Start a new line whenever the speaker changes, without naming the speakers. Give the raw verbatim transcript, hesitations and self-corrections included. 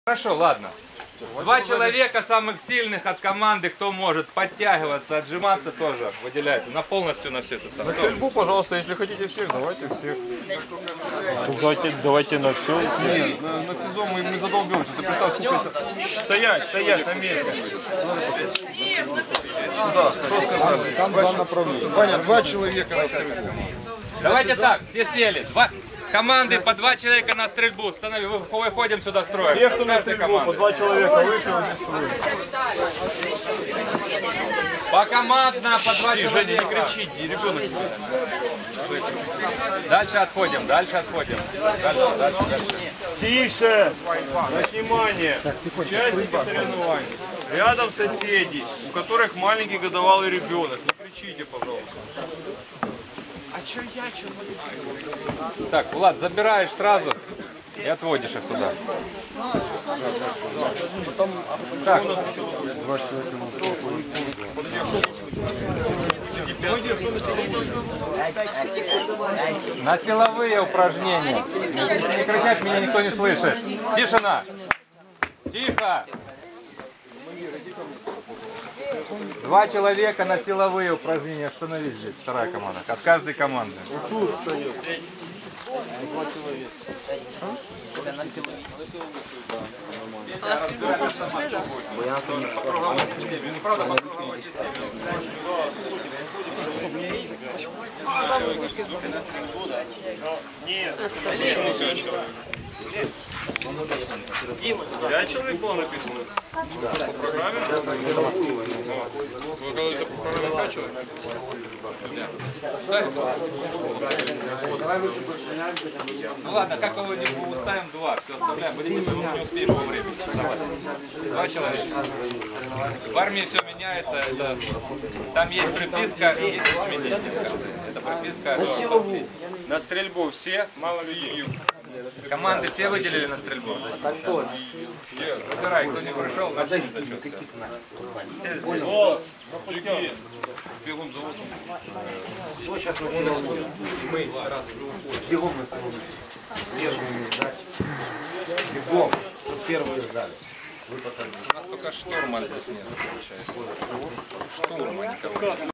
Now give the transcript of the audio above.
Хорошо, ладно. Два человека самых сильных от команды, кто может подтягиваться, отжиматься, тоже выделяйте. На полностью на все это самое.
На стрельбу, пожалуйста, если хотите всех, давайте всех. Давайте, давайте на все. Нет, на, на физо мы, мы задолбемся. Ты представь, сколько это... Стоять, стоять на месте. Да, что сказали? Там два направления. Ваня, два человека на стрельбу.
Давайте так, все сели. Два... Команды по два человека на стрельбу. Станови, выходим сюда строим.
Те, кто на стрельбу, по два человека вышел.
По командно по два человека.
Женя, не кричите, ребенок.
Дальше отходим, дальше отходим. Дальше, дальше, дальше.
Тише! На внимание! Участники соревнований. Рядом соседи, у которых маленький годовалый ребенок. Не кричите, пожалуйста. А чё я, чё вы?
Так, Влад, забираешь сразу и отводишь их туда. Так. На силовые упражнения. Не кричать, меня никто не слышит. Тишина. Тихо. Два человека на силовые упражнения. Остановись здесь. Вторая команда. От каждой команды.
Пять человек было написано? Да. По программе? Вы говорите, по программе пять человек?
Ну ладно, как его не уставим, два, все оставляем, будете мы не успеем по времени. Два человека. В армии все меняется, это, там есть приписка и есть изменения в конце. Это приписка.
На стрельбу все, мало людей.
Команды все выделили на стрельбу? Выбирай, кто не пришел, начни зачет. Все здесь.
Бегом завод.
Мы раз
Бегом на самом деле. Бегом. Первые сдали.
У нас только штурма здесь нет, получается. Штурма никого.